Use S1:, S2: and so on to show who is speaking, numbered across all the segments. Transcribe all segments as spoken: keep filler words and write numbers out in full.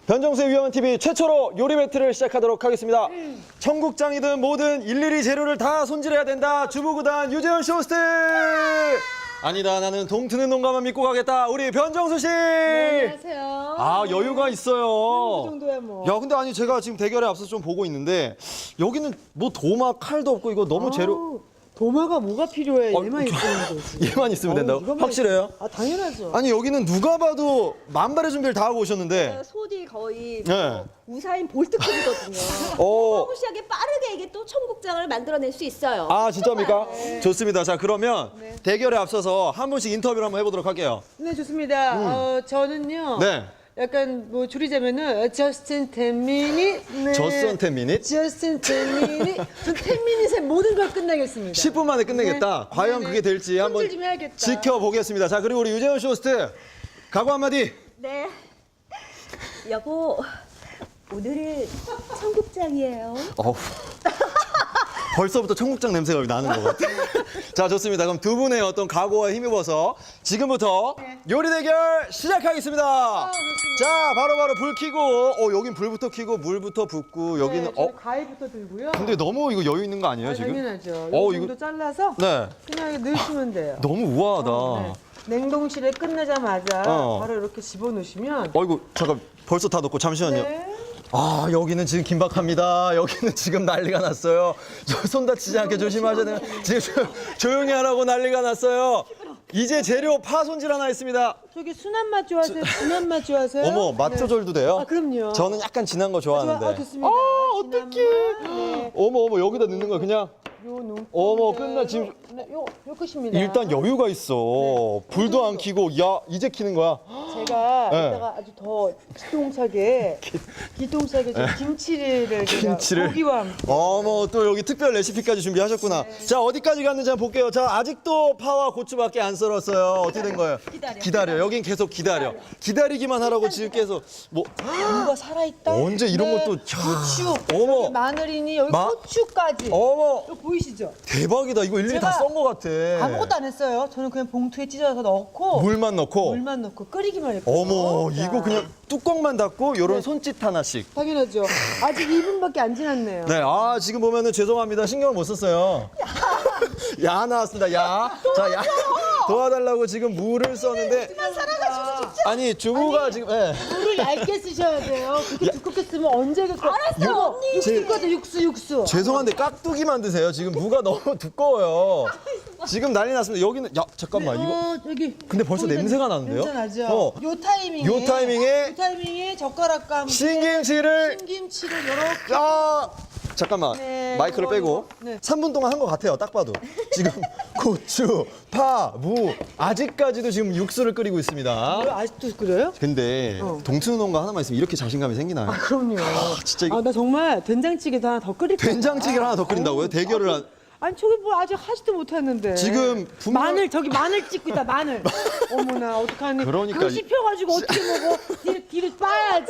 S1: 변정수의 위험한 티비 최초로 요리 배틀을 시작하도록 하겠습니다. 음. 청국장이든 뭐든 일일이 재료를 다 손질해야 된다. 주부구단 유재현 쇼호스트. 아니다, 나는 동트는 농가만 믿고 가겠다. 우리 변정수 씨.
S2: 네, 안녕하세요.
S1: 아, 여유가 있어요.
S2: 그 정도야 뭐.
S1: 야, 근데 아니 제가 지금 대결에 앞서서 좀 보고 있는데 여기는 뭐 도마 칼도 없고 이거 너무 재료.
S2: 아우, 도마가 뭐가 필요해?
S1: 어,
S2: 얘만 있으면 되지.
S1: 얘만 있으면 된다고?
S2: 이것만
S1: 확실해요?
S2: 있- 아, 당연하죠.
S1: 아니 여기는 누가 봐도 만발의 준비를 다 하고 오셨는데.
S3: 소디 거의
S1: 네.
S3: 뭐 우사인 볼트급이거든요.
S1: 어.
S3: 어마무시하게 빠르게 이게 또 청국장을 만들어낼 수 있어요.
S1: 아, 진짜입니까?
S2: 네.
S1: 좋습니다. 자, 그러면 대결에 앞서서 한 분씩 인터뷰를 한번 해보도록 할게요.
S2: 네, 좋습니다. 어, 저는요.
S1: 네.
S2: 약간 뭐 줄이자면은 저스틴 텐미닛. 네.
S1: 저스틴 텐미닛?
S2: 저스틴 텐미닛. 전 텐미닛에 모든 걸 끝내겠습니다.
S1: 십 분 만에 끝내겠다.
S2: 네.
S1: 과연
S2: 네, 네.
S1: 그게 될지 한번
S2: 손질 좀 해야겠다.
S1: 지켜보겠습니다. 자, 그리고 우리 유재현 쇼호스트 각오 한마디.
S3: 네. 여보, 오늘은 청국장이에요.
S1: 어우. 벌써부터 청국장 냄새가 나는 것 같아요. 자, 좋습니다. 그럼 두 분의 어떤 각오와 힘입어서 지금부터 요리 대결 시작하겠습니다. 자, 바로바로 불 켜고, 어, 여긴 불부터 켜고 물부터 붓고 여기는
S2: 네,
S1: 어.
S2: 저희 과일부터 들고요.
S1: 근데 너무 이거 여유 있는 거 아니에요,
S2: 아,
S1: 지금?
S2: 당연하죠.
S1: 어,
S2: 이 정도
S1: 이거-
S2: 잘라서
S1: 네.
S2: 그냥 이렇게 넣으시면 돼요.
S1: 너무 우아하다.
S2: 네. 냉동실에 끝나자마자
S1: 어.
S2: 바로 이렇게 집어넣으시면
S1: 어이구, 잠깐 벌써 다 넣고 잠시만요.
S2: 네.
S1: 아, 여기는 지금 긴박합니다. 여기는 지금 난리가 났어요. 저 손 다치지 않게 조심하셔야 돼요. 지금 조- 조용히 하라고 난리가 났어요. 이제 재료 파 손질 하나 있습니다.
S2: 저기 순한 맛 좋아하세요? 진한 맛 좋아하세요?
S1: 어머, 맛
S2: 네.
S1: 조절도 돼요?
S2: 아, 그럼요.
S1: 저는 약간 진한 거 좋아하는데.
S2: 좋아, 아, 좋습니다.
S1: 아,
S2: 진한
S1: 어떡해.
S2: 맛, 네.
S1: 어머, 어머, 여기다 넣는 거야, 그냥.
S2: 요 농.
S1: 어머, 끝나, 지금-
S2: 네, 요, 요 끝입니다.
S1: 일단 여유가 있어. 불도 안 켜고, 야, 이제 켜는 거야.
S2: 제가
S1: 네.
S2: 이따가 아주 더 기똥차게 기똥차게 저 김치를 제가
S1: 김치를.
S2: 고기와 함께.
S1: 어머, 또 여기 특별 레시피까지 준비하셨구나. 자, 어디까지 갔는지 한번 볼게요. 자, 아직도 파와 고추밖에 안 썰었어요. 어떻게 된 거예요?
S3: 기다려.
S1: 기다려. 여긴 계속 기다려. 기다리기만 하라고 지금 계속 뭐
S2: 뭔가 살아있다.
S1: 언제 이런
S2: 네.
S1: 것도 야,
S2: 고추.
S1: 어머.
S2: 여기 마늘이니 여기
S1: 마-
S2: 고추까지.
S1: 어머,
S2: 이거 보이시죠?
S1: 대박이다. 이거 일일이 다
S2: 제가
S1: 썬 거 같아.
S2: 아무것도 안 했어요. 저는 그냥 봉투에 찢어서 넣고
S1: 물만 넣고.
S2: 물만 넣고 끓이기만 했거든요.
S1: 어머,
S2: 자,
S1: 이거 그냥 뚜껑만 닫고 요런
S2: 네.
S1: 손짓 하나씩.
S2: 당연하죠. 아직 이 분밖에 안 지났네요.
S1: 네, 아, 지금 보면은 죄송합니다. 신경을 못 썼어요. 야 나왔습니다. 야. 자, 야. 도와달라고 지금 물을 썼는데. 아니, 주부가 지금, 예.
S2: 물을 얇게 쓰셔야 돼요. 그렇게 두껍게 쓰면 언제 그렇게
S3: 알았어요, 언니.
S2: 육수 거죠, 육수 육수.
S1: 죄송한데 깍두기 만드세요. 지금 무가 너무 두꺼워요. 지금 난리 났습니다. 여기는 야 잠깐만 이거.
S2: 어, 여기.
S1: 근데 벌써
S2: 거기다
S1: 냄새가 나는데요?
S2: 냄새 나죠.
S1: 어.
S2: 요 타이밍에.
S1: 요 타이밍에
S2: 요 타이밍에 젓가락과 함께
S1: 신김치를
S2: 신김치를 이렇게.
S1: 아 잠깐만
S2: 네,
S1: 마이크를
S2: 요거,
S1: 빼고
S2: 요거. 네.
S1: 삼 분 동안 한 것 같아요. 딱 봐도 지금 고추, 파, 무 아직까지도 지금 육수를 끓이고 있습니다.
S2: 이거 아직도 끓여요?
S1: 근데
S2: 어.
S1: 동트농가 하나만 있으면 이렇게 자신감이 생기나요?
S2: 그럼요.
S1: 진짜 이거
S2: 아, 나 정말 된장찌개도 하나 더 끓일 거야.
S1: 된장찌개를 하나 더 끓인다고요? 대결을 한.
S2: 아니 저기 뭐 아직 하지도 못했는데.
S1: 지금 분명-
S2: 마늘 저기 마늘 찍고 있다 마늘. 어머나 어떡하니.
S1: 그러니까
S2: 그거
S1: 이-
S2: 씹혀가지고 어떻게 먹어? 뒤로 뒤로 빠야지.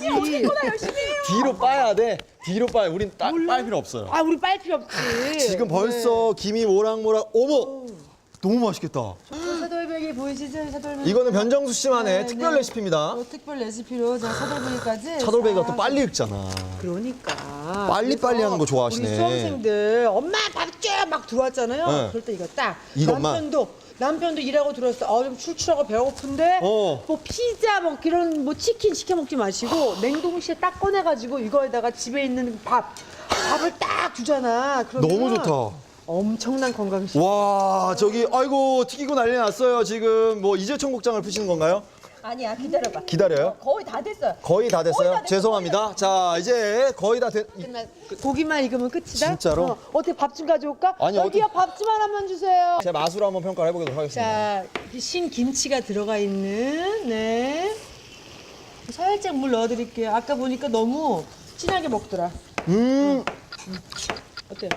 S1: 뒤로 빠야 돼. 뒤로 빠야. 우린 따, 빨 필요 없어요.
S2: 아 우리 빨 필요 없지.
S1: 지금 벌써 김이 모락모락. 어머, 너무 맛있겠다.
S2: 네. 사돌배기 보이시죠? 사돌배기.
S1: 이거는 변정수 씨만의
S2: 네,
S1: 특별
S2: 네.
S1: 레시피입니다.
S2: 어, 특별 레시피로 제가 사돌배기까지.
S1: 차돌배기가
S2: 싹.
S1: 또 빨리 익잖아.
S2: 그러니까.
S1: 빨리빨리
S2: 그래서
S1: 하는 거 좋아하시네.
S2: 우리 수험생들 엄마 밥줘막 들어왔잖아요.
S1: 네.
S2: 그럴 때 이거 딱.
S1: 이것만?
S2: 남편도 남편도 일하고 들어왔어. 아, 좀 출출하고 배고픈데.
S1: 어.
S2: 뭐 피자 뭐 이런 뭐 치킨 시켜 먹지 마시고 냉동실에 딱 꺼내가지고 이거에다가 집에 있는 밥 밥을 딱 주잖아. 그러면
S1: 너무 좋다.
S2: 엄청난 건강식.
S1: 와, 저기 아이고 튀기고 난리 났어요. 지금 뭐 이제 청국장을 푸시는 건가요?
S3: 아니야, 기다려봐.
S1: 기다려요?
S3: 거의 다 됐어요.
S1: 거의 다 됐어요?
S3: 거의 다 됐어요.
S1: 죄송합니다. 자, 이제 거의 다 됐. 이-
S2: 고기만 익으면 끝이다.
S1: 진짜로?
S2: 어, 어떻게 밥 좀 가져올까?
S1: 아니,
S2: 여기요 밥 좀 하나만 주세요.
S1: 제 맛으로 한번 평가를 해보도록 하겠습니다.
S2: 자, 이렇게 신 김치가 들어가 있는 네. 살짝 물 넣어드릴게요. 아까 보니까 너무 진하게 먹더라.
S1: 음,
S2: 어때요?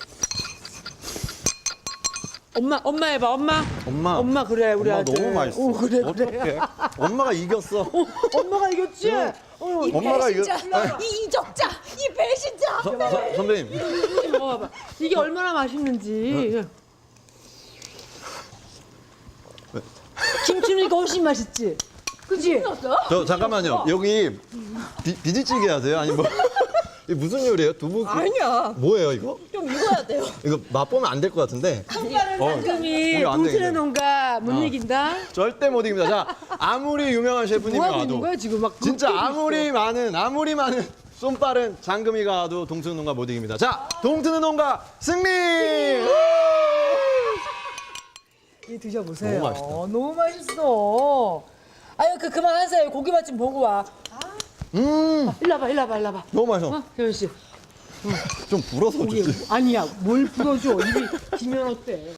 S2: 엄마, 엄마 해봐, 엄마.
S1: 엄마.
S2: 엄마 그래, 우리
S1: 엄마
S2: 아들.
S1: 너무 맛있어.
S2: 어, 그래, 그래.
S1: 어떡해? 엄마가 이겼어.
S2: 어, 엄마가 이겼지? 어,
S1: 엄마가 이거.
S3: 배신자, 이 이적자, 이 배신자.
S1: 서, 서, 선배님.
S2: 이거 먹어봐. 이게 얼마나 맛있는지. 김치는 이거 훨씬 맛있지? 그치?
S1: 저 잠깐만요. 여기 비, 비지찌개 하세요? 아니 뭐 이게 무슨 요리예요? 두부?
S3: 아니야.
S1: 뭐예요 이거?
S3: 좀 익어야 돼요.
S1: 이거 맛보면 안 될 것 같은데. 어,
S2: 상금이
S1: 우리 안
S2: 동트는
S1: 되겠네.
S2: 농가 못
S1: 어.
S2: 이긴다.
S1: 절대 못 이깁니다. 자, 아무리 유명한 셰프님이
S2: 뭐 하고 있는
S1: 와도
S2: 거야 지금 막
S1: 진짜
S2: 굽고
S1: 아무리 많은 아무리 많은 쏜빠른 장금이가 와도 동트는 농가 못 이깁니다. 자, 동트는 농가 승리!
S2: 이 드셔보세요.
S1: 너무 맛있다.
S2: 너무 맛있어. 아유 그 그만하세요. 고기만 좀 보고 와.
S1: 음,
S2: 일로 와봐, 일로 와봐, 일로 와봐.
S1: 너무 맛있어.
S2: 어, 혜연 씨.
S1: 좀 불어서
S2: 고기
S1: 주지.
S2: 아니야, 뭘 풀어줘. 입이 기면 어때?